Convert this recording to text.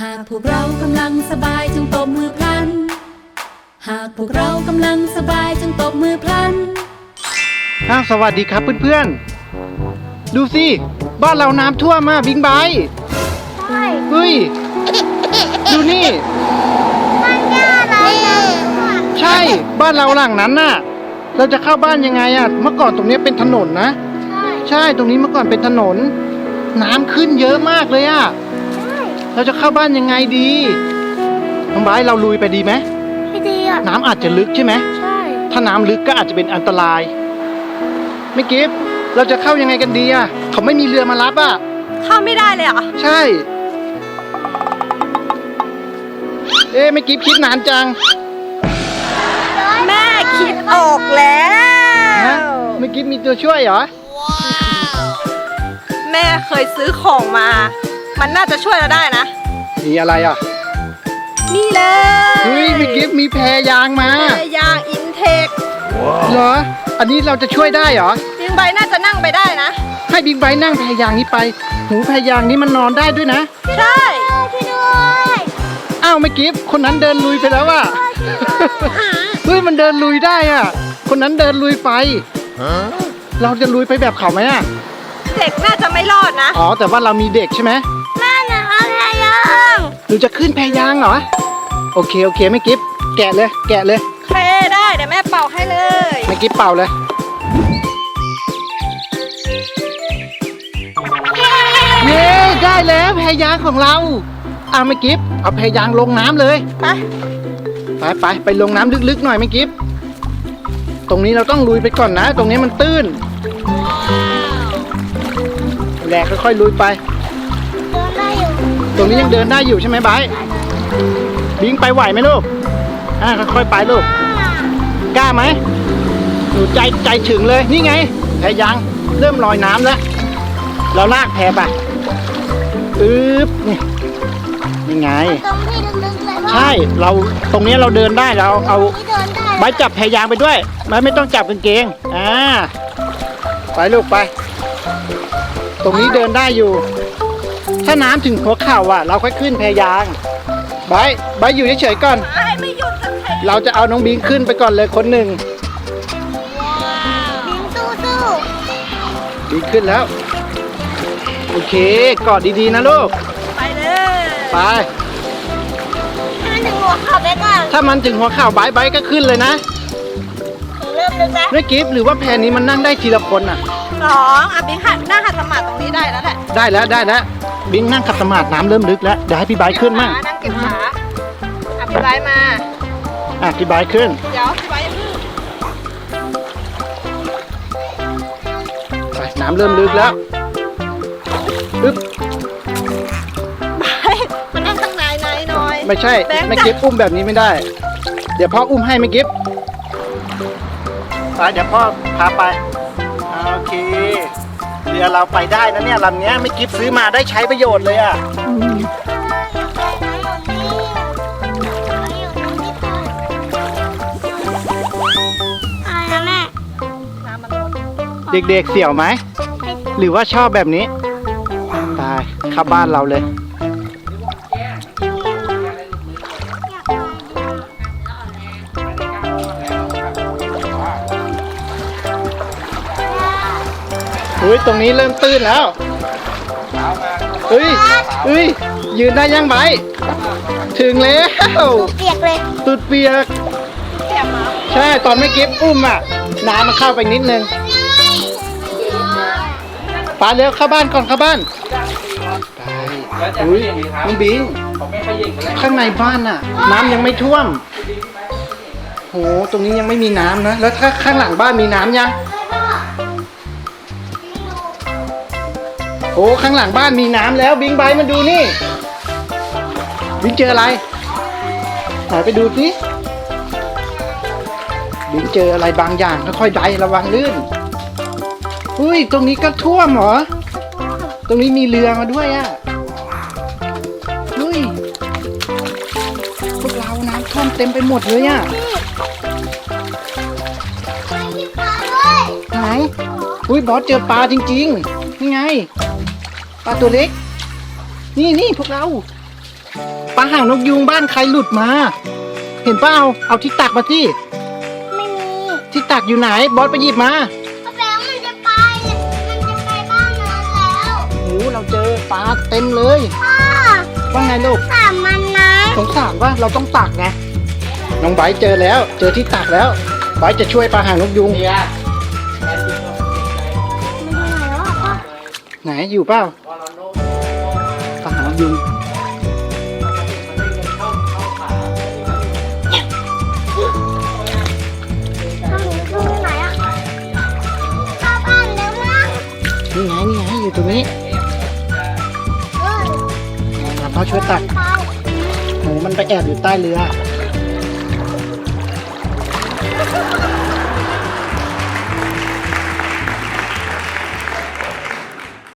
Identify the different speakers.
Speaker 1: ากพวกเรากำลังสบายจงตบมือพลันหากพวกเรากำลังสบายจงตบมือพลัน
Speaker 2: สวัสดีครับเพื่อนๆดูสิบ้านเราน้ำท่วมมาบิงไบ
Speaker 3: ใช่
Speaker 2: เฮ้ยดูนี่
Speaker 3: บ้านย่าเรา
Speaker 2: ใช่บ้านเราหลังนั้นน่ะเราจะเข้าบ้านยังไงอ่ะเมื่อก่อนตรงนี้เป็นถนนนะใช่ตรงนี้เมื่อก่อนเป็นถนนน้ำขึ้นเยอะมากเลยอ่ะเราจะเข้าบ้านยังไงดีน้องไบเราลุยไปดีไหม
Speaker 3: ไม่ดีอ่ะ
Speaker 2: น้ำอาจจะลึกใช่ไหม
Speaker 3: ใช่
Speaker 2: ถ้าน้ำลึกก็อาจจะเป็นอันตรายไม่กิฟเราจะเข้ายังไงกันดีอ่ะเขาไม่มีเรือมารับอ่ะ
Speaker 4: เข้าไม่ได้เลยเหรอ
Speaker 2: ใช่ไม่กิฟคิดนานจัง
Speaker 4: แม่คิดออกแล้ว
Speaker 2: ไม่กิฟมีตัวช่วยเหรอ
Speaker 4: แม่เคยซื้อของมามันน่าจะช่วยเราได้นะ
Speaker 2: มีอะไรอ่ะ
Speaker 4: นี่เลย
Speaker 2: เฮ้ยไม่กิฟมีแพยางมา
Speaker 4: แพยางอินเทค
Speaker 2: เหรออันนี้เราจะช่วยได้เหรอ
Speaker 4: บิงไบน่าจะนั่งไปได้นะ
Speaker 2: ให้บิงไบนั่งแพยางนี้ไปหูแพยางนี้มันนอนได้ด้วยนะ
Speaker 4: ใช่
Speaker 3: ช่วยด้วย
Speaker 2: อ้าวไม่กิฟคนนั้นเดินลุยไปแล้วอ่ะเฮ้ยมันเดินลุยได้อ่ะคนนั้นเดินลุยไปเราจะลุยไปแบบเขาไหมอ่ะ
Speaker 4: เด็กน่าจะไม่รอดนะ
Speaker 2: อ๋อแต่ว่าเรามีเด็กใช่ไหม
Speaker 3: แม่หนูเอาแพยาง
Speaker 2: หนูจะขึ้นแพยางเหรอโอเคไม่กิฟแกะเลย
Speaker 4: เคได้เดี๋ยวแม่เป่าให้เลย
Speaker 2: ไม่กิฟเป่าเลยเย้ได้แล้วแพยางของเราไม่กิฟเอาแพยางลงน้ำเลยไปลงน้ำลึกๆหน่อยไม่กิฟตรงนี้เราต้องลุยไปก่อนนะตรงนี้มันตื้นแหลกค่อยๆลุยไปตรงนี้ยังเดินได้อยู่ใช่ไหมไบร์ทบิงไปไหวไหมลูกค่อยๆไปลูกกล้าไหมหนูใจถึงเลยนี่ไงแพยางเริ่มลอยน้ำแล้วเราลากแพไปนี่ไง
Speaker 3: ตรงที่ลึกๆเลย
Speaker 2: ใช่เราตรงนี้เราเดินได้เราเอาไบร์ทจับแพยางไปด้วยไม่ต้องจับกางเกงไปลูกไปตรงนี้เดินได้อยู่ถ้าน้ำถึงหัวเข่าเราค่อยขึ้นแพยางไบร์ทอยู่เฉยๆก่อน
Speaker 4: ไม่หยุด
Speaker 2: เราจะเอาน้องบิงขึ้นไปก่อนเลยคนหนึ่ง
Speaker 3: บิงสู้
Speaker 2: บิงขึ้นแล้วโอเคกอดดีๆนะลูก
Speaker 4: ไปเลย
Speaker 2: ไป
Speaker 3: ให้มันถึงหัวเข่าไปก่อน
Speaker 2: ถ้ามันถึงหัวเข่าไบร์ทก็ขึ้นเลยนะ
Speaker 3: เริ่มลึกแล้ว
Speaker 2: ไม่กิฟหรือว่าแพนี้มันนั่งได้ทีละคน
Speaker 4: 2บิงนั่งขัดสมาธิตรงนี้ได้แล้วแหละ
Speaker 2: ได้แล้วบิงนั่งขัดสมาธิน้ำเริ่มลึกแล้วเดี๋ยวให้พี่ไบร์ทขึ้นมั่ง
Speaker 4: นั่งเก็บขาพี่ไบร์ทมา
Speaker 2: พี่ไบร์ทขึ้น
Speaker 4: เดี๋ยวพี่ไบร์ท
Speaker 2: ไปน้ำเริ่มลึกแล้ว
Speaker 4: มันนั่งข้างในหน่อย
Speaker 2: ไม่ใช่ไม่กิฟอุ้มแบบนี้ไม่ได้เดี๋ยวพ่ออุ้มให้ไม่กิฟไปเดี๋ยวพ่อพาไปโอเคเรือเราไปได้นะเนี่ยลำนี้ไม่กิฟซื้อมาได้ใช้ประโยชน์เลยเด็กๆเสี่ยวไหมหรือว่าชอบแบบนี้ตายเข้าบ้านเราเลยตรงนี้เริ่มตื้นแล้วยืนได้ยังไบถึงแล้ว
Speaker 3: เปียกเลย
Speaker 2: ตุดเปียกใช่ตอนไม่เก็บอุ้มน้ำมันเข้าไปนิดนึงปาเร็วเข้าบ้านก่อนเข้าบ้านน้องบิงข้างในบ้านน้ำยังไม่ท่วมโหตรงนี้ยังไม่มีน้ำนะแล้วถ้าข้างหลังบ้านมีน้ำยังโอ้ข้างหลังบ้านมีน้ำแล้วบิงไบมันดูนี่บิงเจออะไรไปดูสิบิงเจออะไรบางอย่างค่อยๆไประวังลื่นตรงนี้ก็ท่วมเหรอตรงนี้มีเรือมาด้วยพวกเราน้ำท่วมเต็มไปหมดเลยไหนบอสเจอปลาจริงๆนี่ไงปลาตัวเล็กนี่พวกเราปลาหางนกยูงบ้านใครหลุดมา เห็นเปล่าเอาที่ตักมาที่
Speaker 3: ไม่มี
Speaker 2: ที่ตักอยู่ไหนบอสไปหยิบมา
Speaker 3: พ่อแบงค์มันจะไปบ้านนั้นแล้ว
Speaker 2: โอ้เราเจอปลาเต็มเลย
Speaker 3: พ่อ
Speaker 2: ว่าไงลูก
Speaker 3: ถามมันนะ
Speaker 2: สงสารว่าเราต้องตักไงน้องไบร์ทเจอแล้ว เจอที่ตักแล้วไบร์ทจะช่วยปลาหางนกยูง
Speaker 3: มันอยู่ไหนแล้วอะพ่อ
Speaker 2: ไหนอยู่เปล่าปลาหางนกยูง
Speaker 3: พ่อหนูอยู่ไหนอะเข้าบ้านแล้วนะ
Speaker 2: นี่ไงอยู่ตรงนี้
Speaker 3: เออ
Speaker 2: พ่อช่วยตัก
Speaker 3: ไป
Speaker 2: หนูมันไปแอบอยู่ใต้เรือ
Speaker 3: เ